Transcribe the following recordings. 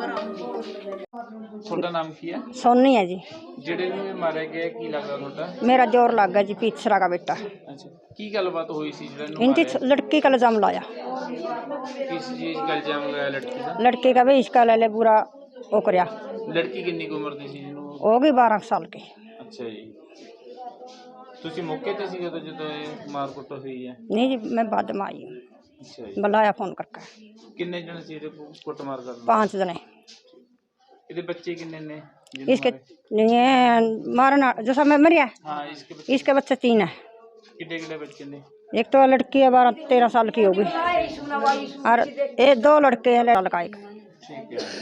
ਤੁਹਾਡਾ ਨਾਮ ਕੀ ਹੈ? सोनी है जी। ਜਿਹੜੇ ਨੂੰ ਮਾਰਿਆ ਗਿਆ ਕੀ ਲੱਗਦਾ ਤੁਹਾਡਾ? मेरा जोर लग गया जी, तीसरा का बेटा। ਅੱਛਾ, ਕੀ ਗੱਲਬਾਤ ਹੋਈ ਸੀ ਜਿਹੜਾ ਨੂੰ इनकी ਮਾਰਿਆ? लड़की का इल्जाम लाया, किस चीज का इल्जाम लगाया लड़की का? लड़की का भी इसका ले पूरा वो करया। लड़की कितनी की उम्र थी ਜਿਹਨੂੰ? होगी 12 साल की। ਅੱਛਾ ਜੀ, ਤੁਸੀਂ ਮੌਕੇ ਤੇ ਸੀ ਜਦੋਂ ਇਹ ਮਾਰ ਕੁੱਟ ਹੋਈ ਹੈ? नहीं जी, मैं बाद में आई हूँ, ਅੱਛਾ ਜੀ, बुलाया फोन करके। ਕਿੰਨੇ ਜਣੇ ਸੀ ਇਹਦੇ ਕੁੱਟ ਮਾਰ ਕਰਨ? 5 जने। ਇਹਦੇ ਬੱਚੇ ਕਿੰਨੇ ਨੇ ਜਿਹਨੂੰ इसके ਮਾਰੇ? नहीं मारना जैसा मैं मरिया, ਹਾਂ इसके बच्चे इसके बच्चे 3 है। कितने कितने बच्चे ने? एक तो लड़की है 12-13 साल की होगी, और ये 2 लड़के हैं लड़का एक। ठीक है,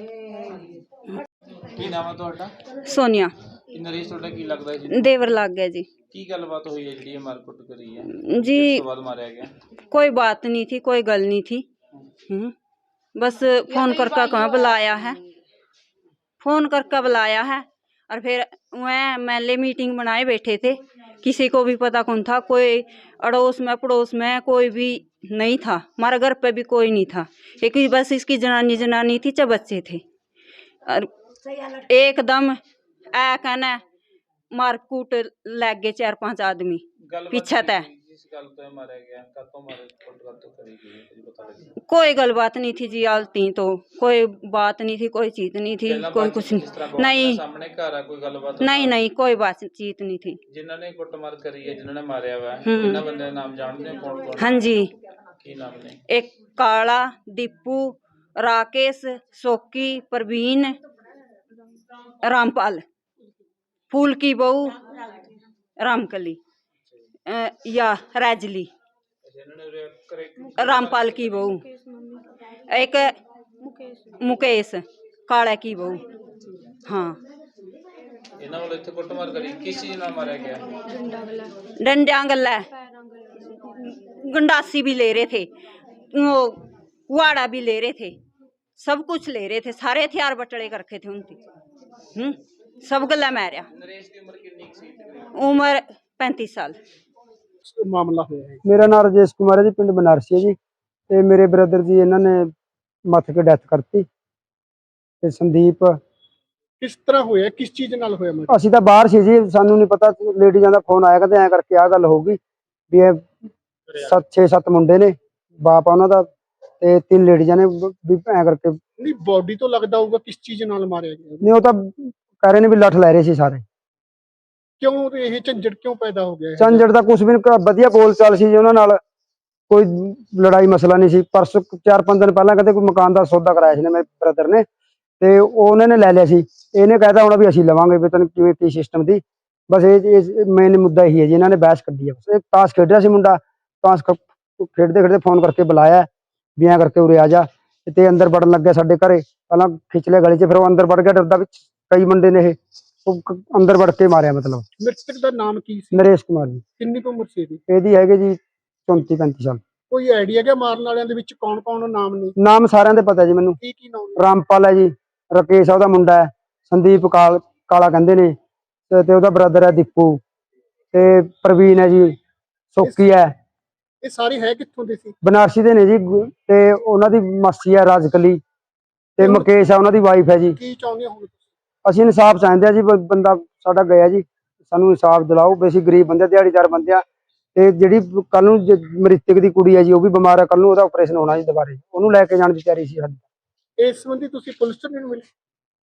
ਕੀ ਨਾਮ ਹੈ ਤੁਹਾਡਾ? सोनिया ਇਹ ਨਰੇਸ਼ ਤੁਹਾਡਾ ਕੀ ਲੱਗਦਾ ਜੀ? देवर लग गया जी। ਕੀ ਗੱਲਬਾਤ ਹੋਈ ਹੈ ਜਿਹੜੀ ਇਹ ਮਾਰ ਕੁੱਟ ਕਰੀ ਹੈ? जी ਉਸ ਤੋਂ ਬਾਅਦ ਮਾਰਿਆ ਗਿਆ? कोई बात नहीं थी, कोई गल नहीं थी। बस फोन करके कहाँ बुलाया है, फोन करके बुलाया है, और फिर वह महल्ले मीटिंग बनाए बैठे थे। किसी को भी पता कौन था, कोई अड़ोस में पड़ोस में कोई भी नहीं था, हमारे घर पे भी कोई नहीं था। एक ही बस इसकी जनानी थी, 4 बच्चे थे, और एकदम ऐ कहना मारकूट लग गए 4-5 आदमी ਗੱਲਬਾਤ पीछे तय। ਜਿਸ ਗੱਲ ਤੋਂ ਇਹ ਮਾਰਿਆ ਗਿਆ ਕਦੋਂ ਮਾਰੇ ਕੁੱਟ ਕਦੋਂ ਕਰੀ ਗਈ ਹੈ ਕੁਝ ਪਤਾ ਲੱਗਿਆ? कोई गल बात नहीं थी जी, आलती तो कोई बात नहीं थी, कोई चीज नहीं थी, ਪਹਿਲਾਂ कोई ਬਾਅਦ कुछ ਚ ਜਿਸ ਤਰ੍ਹਾਂ नहीं, नहीं ਸਾਹਮਣੇ ਘਰ ਆ ਕੋਈ ਗੱਲਬਾਤ? नहीं नहीं कोई बातचीत नहीं थी। ਜਿਨ੍ਹਾਂ ਨੇ ਕੁੱਟਮਾਰ ਕਰੀ ਹੈ ਜਿਨ੍ਹਾਂ ਨੇ ਮਾਰਿਆ ਵਾ ਇਹਨਾਂ ਬੰਦਿਆਂ ਦੇ ਨਾਮ ਜਾਣਦੇ ਹੋ ਕੌਣ ਕੌਣ? हाँ जी, ਕੀ ਨਾਮ ਨੇ? एक काला, दीपू, राकेश, सोकी, प्रवीण, रामपाल, फूल की बहू रामकली, या रैजली, ਇਹਨਾਂ ਨੇ ਉਰੇ ਕਰੇ रामपाल की बहू, एक मुकेश काला की बहू। हाँ, ਇਹਨਾਂ ਵੱਲੋਂ ਇੱਥੇ ਕੁੱਟਮਾਰ ਕਰੀ ਕਿਸ ਚੀਜ਼ ਨਾਲ ਮਾਰਿਆ ਗਿਆ? डंडिया गल्ला, गंडासी भी ले रहे थे, वो कुआड़ा भी ले रहे थे, सब कुछ ले रहे थे, सारे हथियार बटले कर रखे थे उनकी। सब गल्ला मारिया। ਨਰੇਸ਼ ਦੀ ਉਮਰ ਕਿੰਨੀ ਕੁ ਸੀ ਤਕਰੀਬਨ? उम्र 35 साल। ਮਾਮਲਾ ਹੋਇਆ ਹੈ? ਮੇਰਾ ਨਾਮ ਰਾਜੇਸ਼ ਕੁਮਾਰ ਹੈ ਜੀ, ਪਿੰਡ ਬਨਾਰਸੀ ਹੈ ਜੀ। ਤੇ ਮੇਰੇ ਬ੍ਰਦਰ ਜੀ ਇਹਨਾਂ ਨੇ ਮੱਥ ਕੇ ਡੈਥ ਕਰਤੀ। ਤੇ ਸੰਦੀਪ, ਕਿਸ ਤਰ੍ਹਾਂ ਹੋਇਆ, ਕਿਸ ਚੀਜ਼ ਨਾਲ ਹੋਇਆ ਮਰਡਰ? ਅਸੀਂ ਤਾਂ ਬਾਹਰ ਸੀ ਜੀ, ਸਾਨੂੰ ਨਹੀਂ ਪਤਾ, ਲੇਡੀਜ਼ਾਂ ਦਾ ਫੋਨ ਆਇਆ ਕਹਿੰਦੇ ਐਂ ਕਰਕੇ ਆਹ ਗੱਲ ਹੋਊਗੀ ਵੀ ਇਹ 6-7 ਮੁੰਡੇ ਨੇ, ਬਾਪ ਆ ਉਹਨਾਂ ਦਾ, ਤੇ 3 ਲੇਡੀਜ਼ਾਂ ਨੇ ਵੀ ਐਂ ਕਰਕੇ। ਨਹੀਂ, ਬਾਡੀ ਤੋਂ ਲੱਗਦਾ ਹੋਊਗਾ ਕਿਸ ਚੀਜ਼ ਨਾਲ ਮਾਰਿਆ ਗਿਆ। ਨਹੀਂ, ਉਹ ਤਾਂ ਕਹਿ ਰਹੇ ਨੇ ਵੀ ਲੱਠ ਲੈ ਰਹੇ ਸੀ ਸਾਰੇ। ਕਿਉਂ ਇਹ ਝੰਜਟ ਕਿਉਂ ਪੈਦਾ ਹੋ ਗਿਆ? ਝੰਜਟ ਦਾ ਕੁਛ ਵੀ ਨਹੀਂ, ਵਧੀਆ ਬੋਲ ਚਾਲ ਸੀ ਜੀ ਉਹਨਾਂ ਨਾਲ, ਕੋਈ ਲੜਾਈ ਮਸਲਾ ਨਹੀਂ ਸੀ। ਪਰਸੋਂ 4-5 ਦਿਨ ਪਹਿਲਾਂ ਕਹਿੰਦੇ ਕੋਈ ਮਕਾਨ ਦਾ ਸੌਦਾ ਕਰਾਇਆ ਸੀ ਨੇ ਮੇਰੇ ਬ੍ਰਦਰ ਨੇ, ਤੇ ਉਹਨਾਂ ਨੇ ਲੈ ਲਿਆ ਸੀ। ਇਹਨੇ ਕਹਿਤਾ ਹੁਣ ਵੀ ਅਸੀਂ ਲਵਾਂਗੇ, ਵੀ ਤੈਨੂੰ ਕਿਵੇਂ ਕੀ ਸਿਸਟਮ ਦੀ। ਬਸ ਇਹ ਮੇਨ ਮੁੱਦਾ ਇਹੀ ਹੈ ਜੀ, ਇਹਨਾਂ ਨੇ ਬਹਿਸ ਕੱਢੀ ਹੈ। ਬਸ ਇਹ ਤਾਸ਼ ਖੇਡ ਰਿਹਾ ਸੀ ਮੁੰਡਾ, ਤਾਸ਼ ਖੇਡਦੇ ਖੇਡਦੇ ਫੋਨ ਕਰਕੇ ਬੁਲਾਇਆ ਵੀ ਐਂ ਕਰਕੇ ਉਰੇ ਆ ਜਾ, ਤੇ ਅੰਦਰ ਵੜਨ ਲੱਗਿਆ ਸਾਡੇ ਘਰੇ। ਪਹਿਲਾਂ ਖਿੱਚ ਲਿਆ ਗਲੀ 'ਚ, ਫਿਰ ਉਹ ਅੰਦਰ ਵੜ ਗਿਆ ਡਰਦਾ, ਵਿੱਚ ਕਈ ਮੁੰਡੇ ਨੇ ਇਹ, ਉਹ ਅੰਦਰ ਵੜ ਕੇ ਮਾਰਿਆ। ਮਤਲਬ ਮ੍ਰਿਤਕ ਦਾ ਨਾਮ ਕੀ ਸੀ? ਨਰੇਸ਼ ਕੁਮਾਰ ਜੀ। ਕਿੰਨੀ ਕੁ ਉਮਰ ਸੀ ਇਹਦੀ? ਇਹਦੀ ਹੈਗੇ ਜੀ 34-35 ਸਾਲ। ਕੋਈ ਆਈਡੀਆ ਕਿ ਮਾਰਨ ਵਾਲਿਆਂ ਦੇ ਵਿੱਚ ਕੌਣ ਕੌਣ ਨਾਮ ਨੇ? ਨਾਮ ਸਾਰਿਆਂ ਦੇ ਪਤਾ ਜੀ ਮੈਨੂੰ। ਕੀ ਕੀ ਨਾਮ ਨੇ? ਰਾਮਪਾਲ ਹੈ ਜੀ, ਰਾਕੇਸ਼ ਆ ਉਹਦਾ ਮੁੰਡਾ ਹੈ, ਸੰਦੀਪ ਕਾਲਾ ਕਹਿੰਦੇ ਨੇ, ਤੇ ਉਹਦਾ ਬ੍ਰਦਰ ਹੈ ਦੀਪੂ, ਤੇ ਪ੍ਰਵੀਨ ਹੈ ਜੀ, ਸੋਕੀ ਹੈ। ਇਹ ਸਾਰੇ ਹੈ ਕਿੱਥੋਂ ਦੇ ਸੀ? ਬਨਾਰਸੀ ਦੇ ਨੇ ਜੀ, ਤੇ ਉਹਨਾਂ ਦੀ ਮਾਸੀ ਹੈ ਰਾਜਕਲੀ, ਤੇ ਮੁਕੇਸ਼ ਆ ਉਹਨਾਂ ਦੀ ਵਾਈਫ ਹੈ ਜੀ। ਕੀ ਚਾਹੁੰਦੇ ਹੋ? ਅਸੀਂ ਇਨਸਾਫ ਚਾਹੁੰਦੇ ਆ ਜੀ, ਬੰਦਾ ਸਾਡਾ ਗਿਆ ਜੀ, ਸਾਨੂੰ ਇਨਸਾਫ ਦਿਲਾਓ। ਵੀ ਅਸੀਂ ਗਰੀਬ ਬੰਦੇ, ਦਿਹਾੜੀਦਾਰ ਬੰਦੇ ਆ, ਤੇ ਜਿਹੜੀ ਕੱਲ ਨੂੰ ਮ੍ਰਿਤਕ ਦੀ ਕੁੜੀ ਹੈ ਜੀ, ਉਹ ਵੀ ਬਿਮਾਰ ਹੈ, ਕੱਲ ਨੂੰ ਉਹਦਾ ਆਪਰੇਸ਼ਨ ਹੋਣਾ ਜੀ ਦੁਬਾਰੇ, ਉਹਨੂੰ ਲੈ ਕੇ ਜਾਣ ਦੀ ਤਿਆਰੀ ਸੀ ਸਾਡੀ। ਇਸ ਸੰਬੰਧੀ ਤੁਸੀਂ ਪੁਲਿਸ ਤੋਂ ਨਹੀਂ ਮਿਲੇ?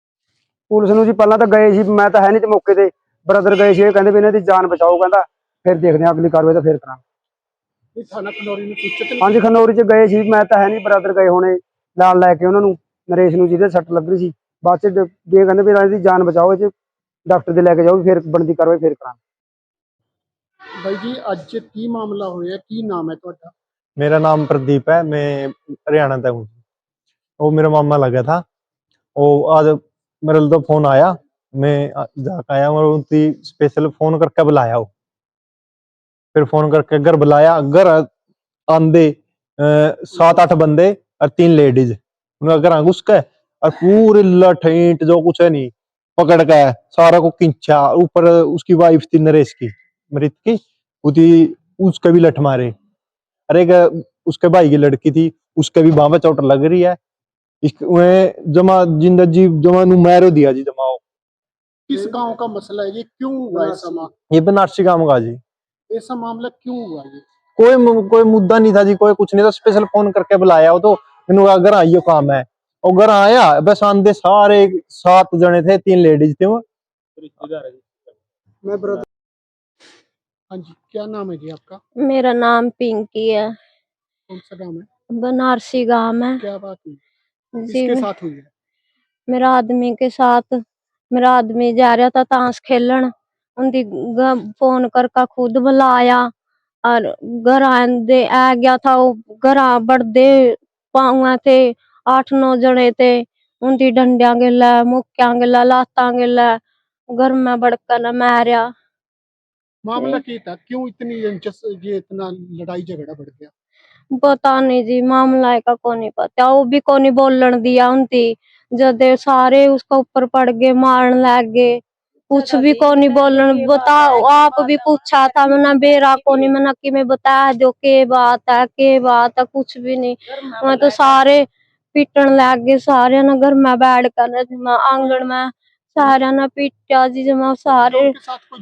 ਪੁਲਿਸ ਨੂੰ ਜੀ ਪਹਿਲਾਂ ਤਾਂ ਗਏ ਸੀ, ਮੈਂ ਤਾਂ ਹੈ ਨਹੀਂ ਤੇ ਮੌਕੇ ਤੇ, ਬ੍ਰਦਰ ਗਏ ਸੀ, ਇਹ ਕਹਿੰਦੇ ਵੀ ਇਹਨਾਂ ਦੀ ਜਾਨ ਬਚਾਓ, ਕਹਿੰਦਾ ਫਿਰ ਦੇਖਦੇ ਆ ਅਗਲੀ ਕਾਰਵਾਈ ਤਾਂ ਫਿਰ ਕਰਾਂਗੇ। ਇਹ ਥਾਣਾ ਖਨੌਰੀ ਨੂੰ ਸੂਚਿਤ ਨਹੀਂ? ਹਾਂਜੀ, ਖਨੌਰੀ ਚ ਗਏ ਸੀ, ਮੈਂ ਤਾਂ ਹੈ ਨਹੀਂ, ਬ੍ਰਦਰ ਗਏ ਹੋਣੇ ਨਾਲ ਲੈ ਕੇ ਉਹਨਾਂ ਨੂੰ, ਨਰੇਸ਼ ਨੂੰ ਜਿਹਦੇ ਸੱਟ ਲੱਗ ਰਹੀ ਸੀ। ਬਾਅਦ ਚ ਵੀ ਕਹਿੰਦੇ ਵੀ ਇਹਨਾਂ ਦੀ ਜਾਨ ਬਚਾਓ, ਇਹ ਡਾਕਟਰ ਦੇ ਲੈ ਕੇ ਜਾਓ, ਫਿਰ ਬਣਦੀ ਕਾਰਵਾਈ ਫਿਰ ਕਰਾਂਗੇ। ਬਾਈ ਜੀ, ਅੱਜ ਕੀ ਮਾਮਲਾ ਹੋਇਆ, ਕੀ ਨਾਮ ਹੈ ਤੁਹਾਡਾ? मेरा नाम प्रदीप है, मैं हरियाणा तक हूँ। वो मेरा मामा लगा था, वो आज मेरे तो फोन आया, मैं जाकर आया और उनकी स्पेशल फोन करके बुलाया। वो फिर फोन करके घर बुलाया, घर आंदे 7-8 बंदे और 3 लेडीज, उनका घर घुस के और पूरे लठ ईंट जो कुछ है नहीं पकड़ के सारा को खींचा। ऊपर उसकी वाइफ थी नरेश की, मृत की, उसके भी लठ मारे। अरे उसके भाई की लड़की थी, उसके भी बाह में चोट लग रही है। इसके जमा जिंदा जी जमा नु मैरो दिया जी जमा किस गांव का मसला है, ये क्यों हुआ ऐसा ये बनारसी काम का जी। ऐसा मामला क्यों हुआ ये? कोई मुद्दा नहीं था जी, कोई कुछ नहीं था। स्पेशल फोन करके बुलाया वो तो मैंने कहा घर आइयो काम है, और घर आया बस आंदे सारे 7 जने थे, 3 लेडीज थे वो। मैं ब्रदर। हाँ जी, क्या नाम है जी आपका? मेरा नाम पिंकी है, कौन सा नाम है? बनारसी गांव है क्या बात हुई, जी। किसके साथ हुई है? मेरा आदमी के साथ, मेरा आदमी जा रहा था ताश खेलन, उनकी फोन करके खुद बुलाया और घर आंदे आ गया था। वो घर बढ़दे पाऊँ थे, 8-9 जने थे, उनकी डंडिया गिला, मुक्या गिला, लाता गिला, घर में बड़कर मारिया। मामला क्या था, क्यों इतनी ये इतना लड़ाई झगड़ा बढ़ गया? पता नहीं जी, मामला का को नहीं पता, वो भी को नहीं बोलन दिया उनती। जब सारे उसका ऊपर पड़ गए, मारन लग गए, कुछ भी को नहीं बोलन। बताओ, आप भी पूछा था मैंने, बेरा को नहीं, मैंने कि मैं बता दो के बात है, कुछ भी नहीं। मैं तो सारे पीटन लग गए, सारे ना घर में बैठ कर आंगन में सारे ना पीटा जी जमा सारे। उनके साथ कोई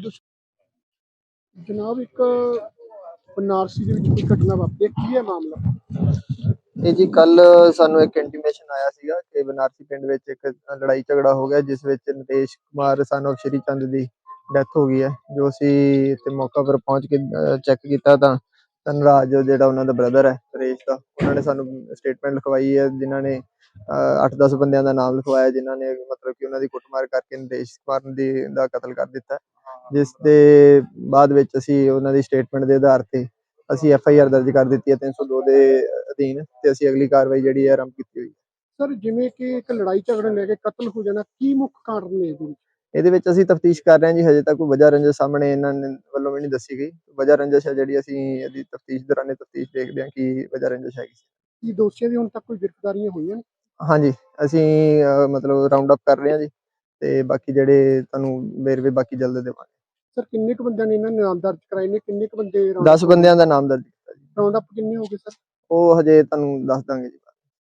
जनाब एक बनारसी ਦੇ ਵਿੱਚ ਕੋਈ ਘਟਨਾ ਵਾਪਰੀ ਹੈ, ਕੀ ਹੈ ਮਾਮਲਾ? ਇਹ ਜੀ ਕੱਲ ਸਾਨੂੰ ਇੱਕ ਇੰਟੀਮੇਸ਼ਨ ਆਇਆ ਸੀਗਾ ਕਿ ਬਨਾਰਸੀ ਪਿੰਡ ਵਿੱਚ ਇੱਕ ਲੜਾਈ ਝਗੜਾ ਹੋ ਗਿਆ, ਜਿਸ ਵਿੱਚ ਨਿਤੇਸ਼ ਕੁਮਾਰ son of ਸ਼੍ਰੀ ਚੰਦ ਦੀ ਡੈਥ ਹੋ ਗਈ ਹੈ। ਜੋ ਅਸੀਂ ਇੱਥੇ ਮੌਕਾ ਪਰ ਪਹੁੰਚ ਕੇ ਚੈੱਕ ਕੀਤਾ ਤਾਂ ਧਨਰਾਜ ਜਿਹੜਾ ਉਹਨਾਂ ਦਾ ਬ੍ਰਦਰ ਹੈ ਨਰੇਸ਼ ਦਾ, ਉਹਨਾਂ ਨੇ ਸਾਨੂੰ ਸਟੇਟਮੈਂਟ ਲਿਖਵਾਈ ਹੈ, ਜਿਨ੍ਹਾਂ ਨੇ 8-10 ਬੰਦਿਆਂ ਦਾ ਨਾਮ ਲਿਖਵਾਇਆ, ਜਿਨ੍ਹਾਂ ਨੇ ਮਤਲਬ ਕਿ ਉਹਨਾਂ ਦੀ ਕੁੱਟਮਾਰ ਕਰਕੇ ਨਿਤੇਸ਼ ਕੁਮਾਰ ਦਾ ਕਤਲ ਕਰ ਦਿੱਤਾ। ਜਿਸ ਦੇ ਬਾਅਦ ਵਿੱਚ ਅਸੀਂ ਉਹਨਾਂ ਦੀ ਸਟੇਟਮੈਂਟ ਦੇ ਆਧਾਰ ਤੇ ਅਸੀਂ FIR ਦਰਜ ਕਰ ਦਿੱਤੀ ਹੈ 302 ਦੇ ਅਧੀਨ, ਤੇ ਅਸੀਂ ਅਗਲੀ ਕਾਰਵਾਈ ਜਿਹੜੀ ਹੈ ਆਰੰਭ ਕੀਤੀ ਹੋਈ ਹੈ। ਸਰ ਜਿਵੇਂ ਕਿ ਇੱਕ ਲੜਾਈ ਝਗੜੇ ਲੈ ਕੇ ਕਤਲ ਹੋ ਜਾਣਾ, ਕੀ ਮੁੱਖ ਕਾਰਨ ਨੇ ਇਹਦੇ ਵਿੱਚ? ਇਹਦੇ ਵਿੱਚ ਅਸੀਂ ਤਫਤੀਸ਼ ਕਰ ਰਹੇ ਹਾਂ ਜੀ, ਹਜੇ ਤੱਕ ਕੋਈ ਵਜ੍ਹਾ ਰੰਜਿਸ਼ ਸਾਹਮਣੇ ਇਹਨਾਂ ਵੱਲੋਂ ਵੀ ਨਹੀਂ ਦੱਸੀ ਗਈ। ਵਜ੍ਹਾ ਰੰਜਿਸ਼ ਹੈ ਜਿਹੜੀ ਅਸੀਂ ਇਹਦੀ ਤਫਤੀਸ਼ ਦੌਰਾਨ ਤਫਤੀਸ਼ ਦੇਖਦੇ ਹਾਂ ਕੀ ਵਜ੍ਹਾ ਰੰਜਿਸ਼ ਹੈਗੀ। ਕੀ ਦੋਸ਼ੀਆਂ ਦੀ ਹੁਣ ਤੱਕ ਕੋਈ ਗ੍ਰਿਫਤਾਰੀਆਂ ਹੋਈਆਂ ਨੇ? ਹਾਂਜੀ, ਅਸੀਂ ਮਤਲਬ ਰਾਉਂਡ ਅਪ ਕਰ ਰਹੇ ਹਾਂ ਜੀ, ਤੇ ਬਾਕੀ ਜਿਹੜੇ ਤੁਹਾਨੂੰ ਵੇਰਵੇ ਬਾਕੀ ਜਲਦ ਦੇਵਾਂਗੇ। ਸਰ ਕਿੰਨੇ ਕੁ ਬੰਦਿਆਂ ਨੇ ਇਹਨਾਂ ਨੇ ਨਾਮ ਦਰਜ ਕਰਾਏ ਨੇ, ਕਿੰਨੇ ਕੁ ਬੰਦੇ 10 ਬੰਦਿਆਂ ਦਾ ਨਾਮ ਦਰਜ ਕੀਤਾ ਜੀ। ਰਾਉਂਡ ਅਪ ਕਿੰਨੇ ਹੋ ਗਏ ਸਰ? ਉਹ ਹਜੇ ਤੁਹਾਨੂੰ ਦੱਸ ਦਾਂਗੇ ਜੀ।